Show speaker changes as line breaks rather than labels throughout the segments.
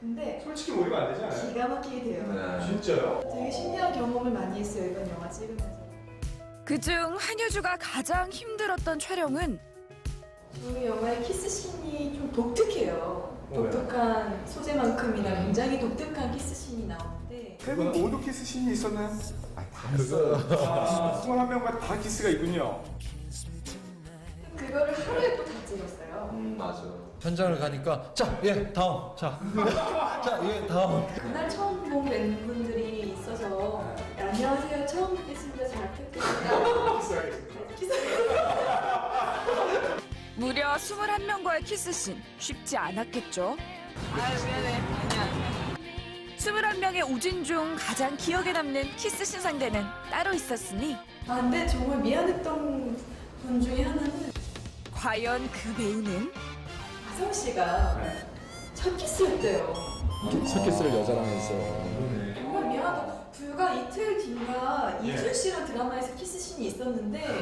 근데
솔직히 몰입 안 되지 않아요?
기가 막히게 돼요.
네.
진짜요?
되게 신기한 경험을 많이 했어요, 이번 영화 찍으면서.
그중 한효주가 가장 힘들었던 촬영은
저희 영화의 키스씬이 좀 독특해요.
왜요?
독특한 소재만큼이나 굉장히 독특한 키스씬이 나오는데
세 분 모두 키스 씬이 있었나요? 다 있어요. 21명과 다 키스가 있군요.
그거를 하루에 또 다 찍었어요.
맞아.
현장을 가니까 자, 예, 다음. 자, 자, 예, 다음.
그날 처음 본 팬분들이 있어서 안녕하세요, 처음 뵙겠습니다, 잘 뵙겠습니다.
무려 21명과의 키스씬. 쉽지 않았겠죠?
아유, 미안해. 아니야.
21명의 오진 중 가장 기억에 남는 키스씬 상대는 따로 있었으니
아, 근데 정말 미안했던 분 중에 하나는
과연 그 배우는?
아성 씨가 첫 키스였대요.
첫 키스를 여자랑 했어.
정말 미안하다. 불과 이틀 뒤인가 이준 씨랑 드라마에서 키스씬이 있었는데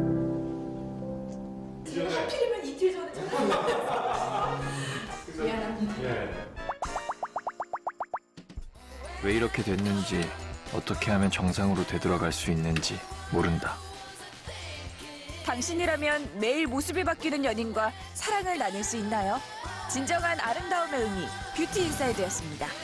제가 하필이면 이틀 전에 찾아왔어요. 미안합니다.
예.
왜 이렇게 됐는지, 어떻게 하면 정상으로 되돌아갈 수 있는지 모른다.
당신이라면 매일 모습이 바뀌는 연인과 사랑을 나눌 수 있나요? 진정한 아름다움의 의미, 뷰티 인사이드였습니다.